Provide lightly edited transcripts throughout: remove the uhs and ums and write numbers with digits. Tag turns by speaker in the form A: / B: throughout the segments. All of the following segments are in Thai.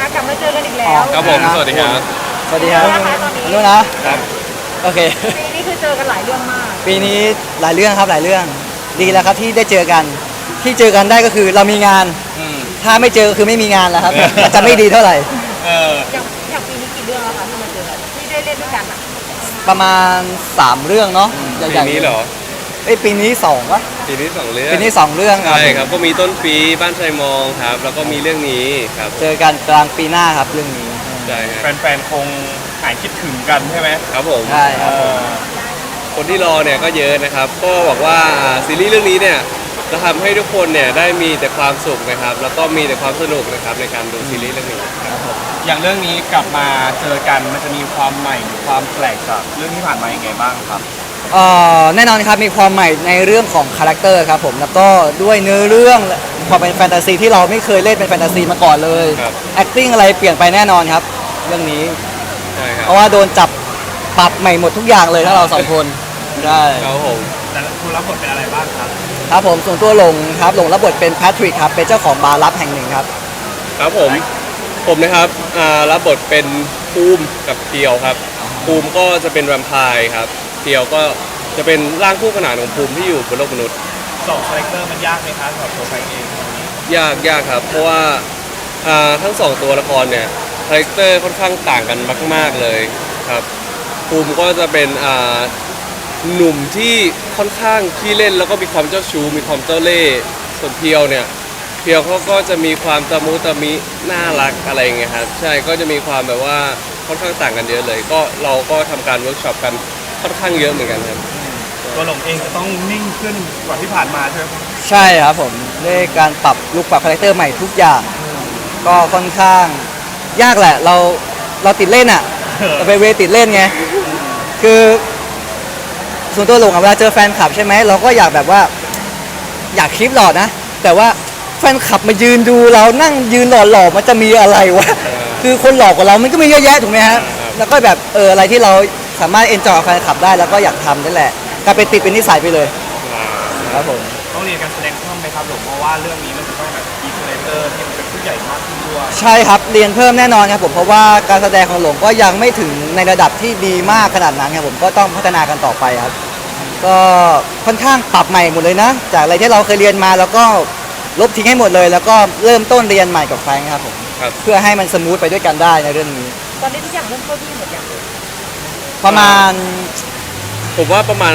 A: กลับมาเจอกันอีกแล้ว
B: ครับผมสวัสดีครับ
C: สวัสดีครับ
A: เป็นไงบ้างคะตอนนี้
C: นู่นนะครับ โอเค
A: ปีนี้คือเจอกันหลายเรื่องมาก
C: ปีนี้หลายเรื่องครับหลายเรื่อง ดีแล้วครับที่ได้เจอกัน ที่เจอกันได้ก็คือเรามีงาน
B: อืม
C: ถ้าไม่เจอก็คือไม่มีงานแล้วครับ อาจจะไม่ดีเท่าไหร่
A: อย่างปีนี้กี่เรื่องแล้วคะที่มาเจอกันที่ได้เล่นด้วยกันอ่ะ
C: ประมาณ 3 เรื่องเนาะให
B: ปี
C: ญ่ๆ
B: นี้เหรอ
C: ปีนี้2วะ
B: ปีนี้2 เรื่อง
C: ปีนี้2เรื่องครับ
B: ใช่ครับ ก็มีต้นปีบ้านไทรมองครับ แล้วก็มีเรื่องนี้ครับ
C: เจอกันกลางปีหน้าครับเรื่องนี้
B: ใช่ครับ
D: แฟนๆ คงหายคิดถึงกันใช่ไหม
B: ครับผม
C: ใช่ครับ
B: คนที่รอเนี่ยก็เยอะนะครับ ก็บอกว่าซีรีส์เรื่องนี้เนี่ยจะทำให้ทุกคนเนี่ยได้มีแต่ความสุขนะครับ แล้วก็มีแต่ความสนุกนะครับในการดูซีรีส์เรื่องนี้ครับผม
D: อย่างเรื่องนี้กลับมาเจอกันมันจะมีความใหม่หรือความแปลกจากเรื่องที่ผ่านมายังไงบ้างครับ
C: แน่นอนครับมีความใหม่ในเรื่องของคาแรคเตอร์ครับผมแล้วก็ด้วยเนื้อเรื่องความเป็นแฟนตาซีที่เราไม่เคยเล่นเป็นแฟนตาซีมาก่อนเลย
B: ครับ
C: acting อะไรเปลี่ยนไปแน่นอนครับ เรื่องนี้
B: ใช่ครับ
C: เพราะว่าโดนจับปรับใหม่หมดทุกอย่างเลยทั้งเราสองคนใช่
B: ครับผม
D: แต่คุณรับบทเป็นอะไรบ้างครับ
C: ครับผมส่วนตัวหลงครับหลงรับบทเป็นแพทริกครับเป็นเจ้าของบาร์ลับแห่งหนึ่งครับ
B: ครับผมนะครับรับบทเป็นภูมิกับเพียวครับภูมิก็จะเป็นแวมไพร์ครับเพียวก็จะเป็นร่างคู่ขนานของภูมิที่อยู่บนโลกมนุษย์
D: สองคาแรคเตอร์มันยากไหมครับสำหรับตัวแฟนเอง
B: ยากครับ เพราะว่าทั้งสองตัวละครเนี่ยคาแรคเตอร์ค่อนข้างต่างกันมากๆเลยครับภูมิก็จะเป็นหนุ่มที่ค่อนข้างขี้เล่นแล้วก็มีความเจ้าชู้มีความเจ้าเล่ห์ส่วนเพียวเนี่ยเพียวเขาก็จะมีความตะมุตะมิน่ารักอะไรอย่างเงี้ยครับใช่ก็จะมีความแบบว่าค่อนข้างต่างกันเยอะเลย ก็เราก็ทำการเวิร์กช็อปกันค่อนข้างเยอะเหมือนกันครับ
D: ตัวหลงเองจะต้องนิ่งขึ้นกว่าที่ผ่านมาใช่ไหมครับ
C: ใช่ครับผมด้วยการปรับลุคปรับคาแรคเตอร์ใหม่ทุกอย่าง ก็ค่อนข้างยากแหละเราติดเล่นอ่ะเราไปเวติดเล่นไงคือส่วนตัวหลงอะเวลาเจอแฟนคลับใช่ไหมเราก็อยากแบบว่าอยากคลิปหล่อนะ แต่ว่าแฟนคลับมายืนดูเรานั่งยืนหล่อๆมันจะมีอะไรวะคือคนหล่อกว่าเรามันก็มีเยอะแยะถูกไหมฮะแล้วก็แบบอะไรที่เราสามารถเอนจอยกับแฟนคลับได้แล้วก็อยากทำนั่นแหละกลายเป็นติดเป็นนิสัยไปเลยครับผม
D: ต้องเรียนการแสดงเพิ่มไหมครับหลงเพราะว่าเรื่องนี้มันจะต้องแบบมีคาแรคเตอร์ที่มันเป็นผู้ใหญ่มากขึ้นด้วย
C: ใช่ครับเรียนเพิ่มแน่นอนครับผมเพราะว่าการแสดงของหลงก็ยังไม่ถึงในระดับที่ดีมากขนาดนั้นครับผมก็ต้องพัฒนากันต่อไปครับก็ค่อนข้างปรับใหม่หมดเลยนะ จากอะไรที่เราเคยเรียนมาแล้วก็ลบทิ้งให้หมดเลย แล้วก็เริ่มต้นเรียนใหม่กับแฟรงค์ครับผม
B: ครับ
C: เพื่อให้มันสมูทไปด้วยกันได้ในเรื่องนี้
A: ตอนนี้ทุกอย่างเริ่มเข้าที่หมดอย่าง
C: ประมาณ
B: ผมว่าประมาณ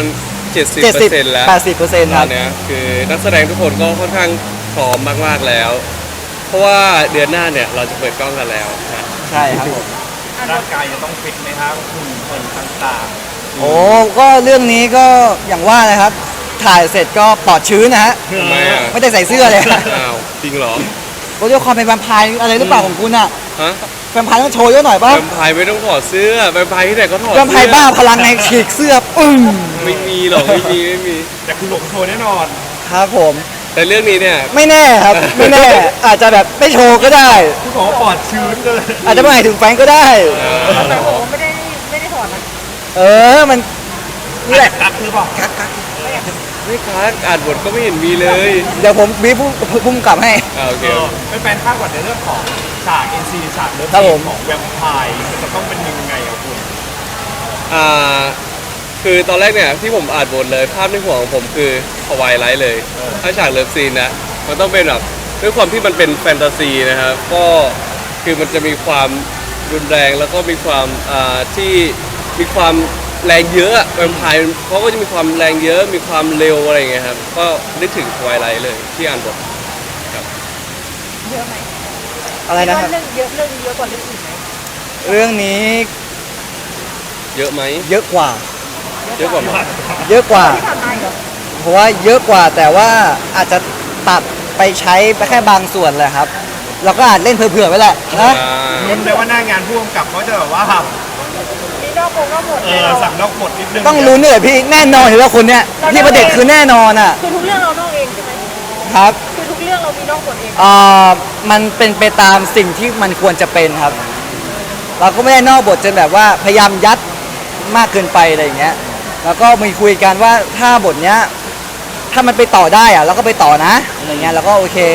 B: 70% แล้ว
C: 80%ค
B: ต
C: รั
B: อบ นเนี้ยคือนักแสดงทุกคนก็ค่อนข้างพร้อมมากๆแล้ว เพราะว่าเดือนหน้าเนี่ยเราจะเปิดกล้องกันแล้วนะ
C: ใช่ครับผม
D: ร่างกายจะต้องฟิตไหมครับหุ่นเหินต่าง
C: โอ้ก็เรื่องนี้ก็อย่างว่านะครับถ่ายเสร็จก็ปลอดชื้นนะฮะ
B: ทำไมอ่ะ
C: ไม่ได้ใส่เสื้อเลย
B: อ้าวจริงเหรอ
C: ก็ด้วยความเป็นแวมไพร์อะไรหรือเปล่าของคุณอะ
B: ฮะ
C: แวมไพร์ต้องโชว์เยอะหน่อยป่ะ
B: แวมไพร์ไม่ต้องถอดเสื้อแวมไพร์ที่ไหนก็ถอด
C: แวมไพร์บ้าพลังในฉีกเสื้อปึ้ง
B: ไม่มีหรอกไม่มี
D: ๆ แต่คุณหลงโชว์แน่นอน
C: ครับผม
B: แต่เรื่องนี้เนี่ย
C: ไม่แน่ครับ ไม่แน่ อาจจะแบบไม่โชว์ก็ได้
D: คุณบอกว่าปลอดชื้นเลย
C: อาจจะไม่หมายถึงแฟนก็ได้
A: แต่ผมไม่ได้ถอดนะ
C: มันนี่แหละ
D: กักหรือเปล่า
B: ไม่คัดอ่านบทก็ไม่เห็นมีเลย
C: เดี๋ยวผมบีบพุ่มกลับให้
B: โอเค
D: เป็นแฟนคาดหวังในเรื่องของฉาก NC ฉากเลิฟ
C: ครับผม
D: ของแวมไพร์มันจะต้องเป็นยังไงอะคุณ
B: อ่าคือตอนแรกเนี่ยที่ผมอ่านบทเลยภาพในหัวของผมคือทวายไลท์เลย ถ้าฉากเลิฟซีนนะมันต้องเป็นแบบด้วยความที่มันเป็นแฟนตาซีนะครับก็คือมันจะมีความรุนแรงแล้วก็มีความที่มีความแรงเยอะแวมไพร์เขาก็จะมีความแรงเยอะมีความเร็วอะไรอย่างเงี้ยครับก็นึกถึงทวายไลท์เลยที่อ่านบท
A: เยอะไหม
C: อะไรนะครับ
A: เรื่องเยอะกว่าเรื่องอื่นไหม
C: เรื่องนี้
B: เยอะไหม
C: เยอะกว่า
B: เยอะกว่าไหม
C: เยอะกว่า
A: ที่ผ่านมาเหรอ
C: เพราะว่าเยอะกว่าแต่ว่าอาจจะตัดไปใช้ไปแค่บางส่วนแหละครับ เราก็อาจเล่นเผื่อๆไว้แหละนะ
D: ลุ้นเลยว่าหน้างานผู้กำกับเขาจะแบบว่า
A: มีนอกวงนอกหมดแน่นอน
D: สั่งนอกบทนิดนึง
C: ต้องลุ้นด้วยพี่แน่นอนอยู่แล้วคนเนี้ยพี่ประเด็จคือแน่นอนอ่ะ
A: คือทุกเรื่องเรานอกเองใช่ไหม
C: ครับ
A: คือทุกเรื่องเรามีนอกหมดเอง
C: มันเป็นไปตามสิ่งที่มันควรจะเป็นครับ เราก็ไม่ได้นอกบทจนแบบว่าพยายามยัดมากเกินไปอะไรอย่างเงี้ย แล้วก็มีคุยกันว่าถ้าบทเนี้ยถ้ามันไปต่อได้อะเราก็ไปต่อนะอะไรเงี้ยแล้วก็โอเคทั้ง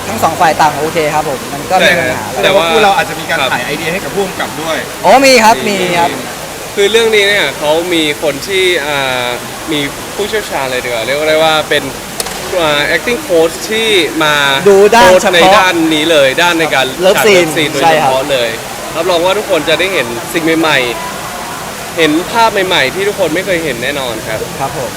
C: ทั้งสองฝ่ายต่างโอเคครับผมมันก็ไม่มีปัญหา
B: แต่
D: แต่
B: ว่า
D: ว่าพวกเราอาจจะมีการ
B: ครับ
D: ถ่ายไอเดียให้กับผู้กำกับด้วย
C: โอ้มีครับมีครับ
B: คือเรื่องนี้เนี่ยเขามีคนที่มีผู้เชี่ยวชาญเลยดีกว่าเรียกได้ว่าเป็นacting coach ที่มา
C: ดูด้าน
B: โค้ช
C: เฉพาะ
B: ในด้านนี้เลยด้านในการ
C: Love
B: ฉาก
C: scene
B: Love scene โดย
C: ใช่
B: เฉ
C: ครับ
B: พาะเลยรับรองว่าทุกคนจะได้เห็นสิ่งใหม่ๆ เห็นภาพใหม่ๆ ที่ทุกคนไม่เคยเห็นแน่นอนครับ
C: ครับผม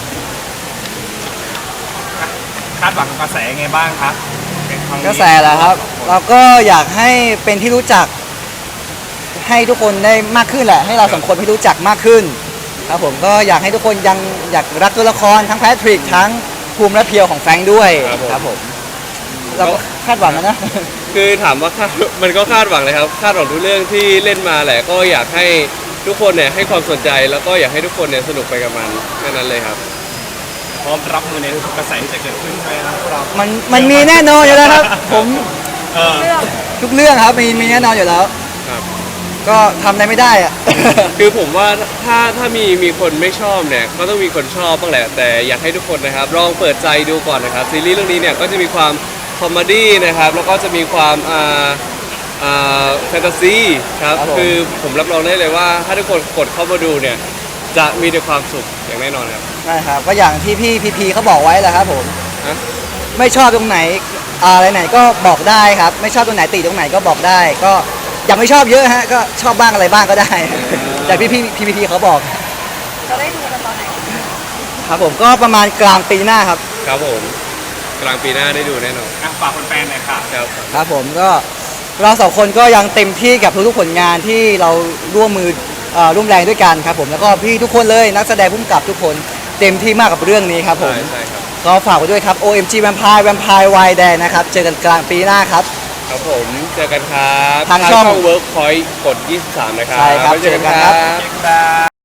D: คาดหวังกับกระแสยังไงบ้างครับเป็นครั้งนี้
C: กระแสแหละครับ เราก็อยากให้เป็นที่รู้จัก ให้ทุกคนได้มากขึ้นแหละ ให้เราสองคนให้รู้จักมากขึ้น ครับผมก็อยากให้ทุกคนยังอยากรักตัวละครทั้งแพทริกทั้งภูมิและเพียวของแฟรงค์ด้วย
B: ครับผม
C: เราก็คาดหวังนะ
B: คือถามว่าคาดมันก็คาดหวังเลยครับ คาดหวังทุกเรื่องที่เล่นมาแหละ ก็อยากให้ทุกคนเนี่ยให้ความสนใจแล้วก็อยากให้ทุกคนเนี่ยสนุกไปกับมันแค่นั้นเลยครับ
D: พร้อมรับมือในทุกกระแสที่จะเกิดขึ้นใช่ไหมครับพวกเรา
C: มันมีแน่นอนอยู่แล้วครับ ผม
D: เออ
A: เรื่อง
C: ทุกเรื่องครับมีแน่นอนอยู่แล้ว
B: ครับ
C: ก็ทำอะไรไม่ได้อะ
B: คือผมว่าถ้ามีคนไม่ชอบเนี่ยก็ต้องมีคนชอบบ้างแหละ แต่อยากให้ทุกคนนะครับลองเปิดใจดูก่อนนะครับซีรีส์เรื่องนี้เนี่ยก็จะมีความคอมเมดี้นะครับแล้วก็จะมีความแฟนตาซีครับ
C: ครับผม
B: คือผมรับรองได้เลยว่าถ้าทุกคนกดเข้ามาดูเนี่ยจะมีแต่ความสุขอย่างแน่นอนครับ
C: ใช่ครับก็อย่างที่พี่พีเขาบอกไว้แหละครับผม
B: ฮะ
C: ไม่ชอบตรงไหนอะไรไหนก็บอกได้ครับ ไม่ชอบตรงไหนติตรงไหนก็บอกได้ ก็อย่าไม่ชอบเยอะฮะก็ชอบบ้างอะไรบ้างก็ได้ แต่พี่เขาบอก
A: จะได้ดูกันตอนไหน
C: ครับผมก็ประมาณกลางปีหน้าครับ
B: ครับผมกลางปีหน้าได้ดูแน่นอน
D: อ่ะฝากแฟนๆหน่อยค่ะ
B: ครับ
C: ครับผมก็เราสองคนก็ยังเต็มที่กับทุกๆผลงานที่เราร่วมมือร่วมแรงด้วยกันครับผมแล้วก็พี่ทุกคนเลยนักแสดงผู้กำกับทุกคนเต็มที่มากกับเรื่องนี้ครับผม
B: ใช่ครับ
C: ก็ฝากไว้ด้วยครับ OMG Vampire Vampire Wild Dare นะครับเจอกันกลางปีหน้าครับ
B: ครับผมเจอกันครับ
C: ทางช่อง
B: Workpoint กด 23 นะครับ
C: ใช่ครับ
B: ไว้เจอกัน
C: เจอกัน
B: ค
C: ครั
B: รับ บ
D: ครับ